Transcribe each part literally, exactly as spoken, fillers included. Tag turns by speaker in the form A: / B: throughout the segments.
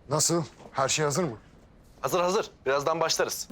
A: Nasıl? Her şey hazır mı?
B: Hazır hazır. Birazdan başlarız.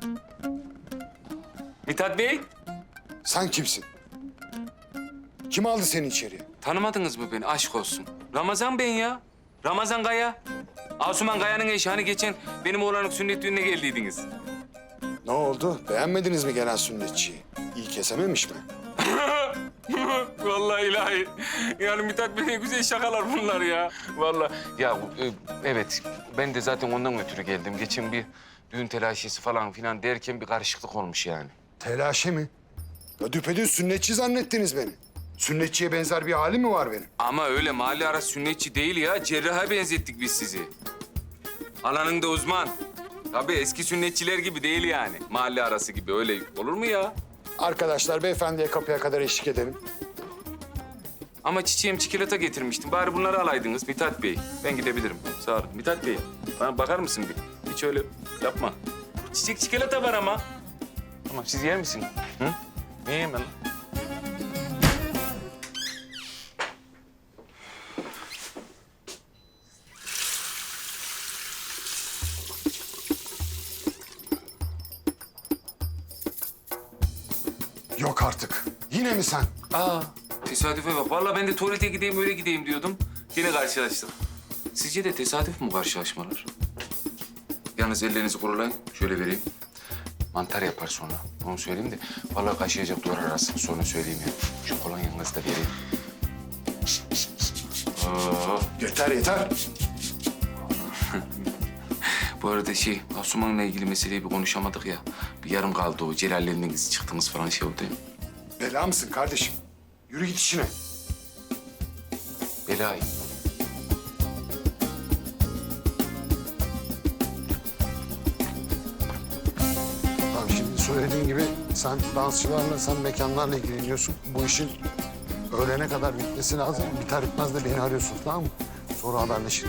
C: Mithat Bey,
A: Sen kimsin? Kim aldı seni içeriye?
C: tanımadınız mı beni? Aşk olsun. Ramazan ben ya. Ramazan Kaya. Asuman Kaya'nın eşi. Hani geçen benim oğlanın sünnet düğününe geldiydiniz.
A: Ne oldu? Beğenmediniz mi gelen sünnetçiyi? İyi kesememiş mi?
C: Vallahi ilahi. Yani Mithat Bey ne güzel şakalar bunlar ya. Vallahi. Ya e, evet, ben de zaten ondan ötürü geldim. Geçen bir düğün telaşesi falan filan derken bir karışıklık olmuş yani.
A: Telaşe mi? Ya düpedüz sünnetçi zannettiniz beni. Sünnetçiye benzer bir hali mi var benim?
C: Ama öyle mahalle arası sünnetçi değil ya. Cerraha benzettik biz sizi. Alanında uzman. Tabii eski sünnetçiler gibi değil yani. Mahalle arası gibi öyle olur mu ya?
A: Arkadaşlar beyefendiye kapıya kadar eşlik edelim.
C: Ama çiçeğim çikolata getirmiştim. Bari bunları alaydınız Mithat Bey. Ben gidebilirim. Sağ olun. Mithat Bey, bana bakar mısın bir? Hiç öyle yapma. Çiçek çikolata var ama. Tamam, siz yer misin? Hı? Ne yiyeyim ben lan?
A: Yok artık. Yine mi sen?
C: Aa, tesadüfe bak. Vallahi ben de tuvalete gideyim, öyle gideyim diyordum. Yine karşılaştık. Sizce de tesadüf mü karşılaşmalar? Yalnız ellerinizi kurulayın. Şöyle vereyim. Mantar yapar sonra. Onu söyleyeyim de. Vallahi kaşıyacak duvar arası. Sonra söyleyeyim ya. Şu kolonyanızı da vereyim. Oo.
A: Yeter yeter.
C: Bu arada şey, Asuman'la ilgili meseleyi bir konuşamadık ya. Bir yarım kaldı o. Celal'le siz çıktınız falan şey oldu ya.
A: Bela mısın kardeşim? Yürü git işine.
C: Belay.
A: Tamam şimdi söylediğin gibi sen dansçılarla, sen mekanlarla ilgileniyorsun. Bu işin öğlene kadar bitmesi lazım. Biter bitmez de beni arıyorsun, tamam mı? Sonra haberleşelim.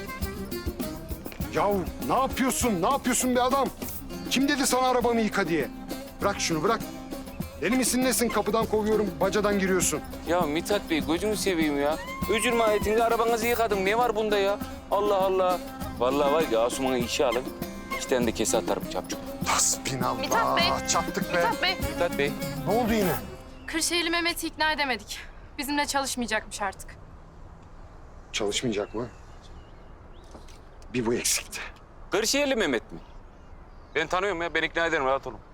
A: Yahu ne yapıyorsun? Ne yapıyorsun be adam? Kim dedi sana arabamı yıka diye? Bırak şunu bırak. Deli misin nesin? Kapıdan kovuyorum, bacadan giriyorsun.
C: Ya Mithat Bey gözünü seveyim ya. Öcür mahiyetinde arabanızı yıkadım. Ne var bunda ya? Allah Allah. Vallahi var ya Asuman'ı işe alın. İki tane de kese atarım çapçuk.
A: Hasbinallah.
D: Mithat Bey.
A: Çattık be.
D: Mithat Bey,
C: Mithat Bey.
A: Ne oldu yine?
D: Kırşehirli Mehmet'i ikna edemedik. Bizimle çalışmayacakmış artık.
A: Çalışmayacak mı? Bir bu eksikti.
C: Kırşehirli Mehmet mi? Ben tanıyorum ya. Ben ikna ederim. Rahat olun.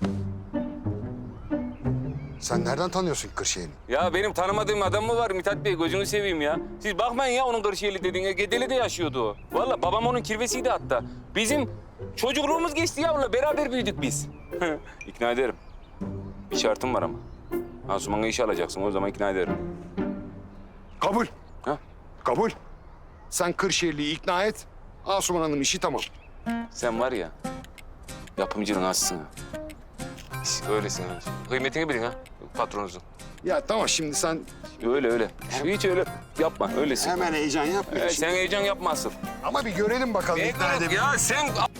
A: Sen nereden tanıyorsun Kırşehir'i?
C: Ya benim tanımadığım adam mı var Mithat Bey? Gözünü seveyim ya. Siz bakmayın ya onun Kırşehirli dediğine. Gedeli'de yaşıyordu o. Vallahi babam onun kirvesiydi hatta. Bizim çocukluğumuz geçti ya onunla. Beraber büyüdük biz. İkna ederim. Bir şartım var ama. Asuman'ı işe alacaksın. O zaman ikna ederim.
A: Kabul.
C: Ha?
A: Kabul. Sen Kırşehirli'yi ikna et. Asuman Hanım işi tamam.
C: Sen var ya, yapımcının azsın ha. Öylesin ha. Kıymetini bilin ha, patronunuzun.
A: Ya tamam şimdi sen
C: Öyle öyle. Hiç öyle yapma, öylesin.
A: hemen heyecan yapma.
C: Ee, sen heyecan yapma asıl.
A: Ama bir görelim bakalım ikna edebilir.
C: Ya sen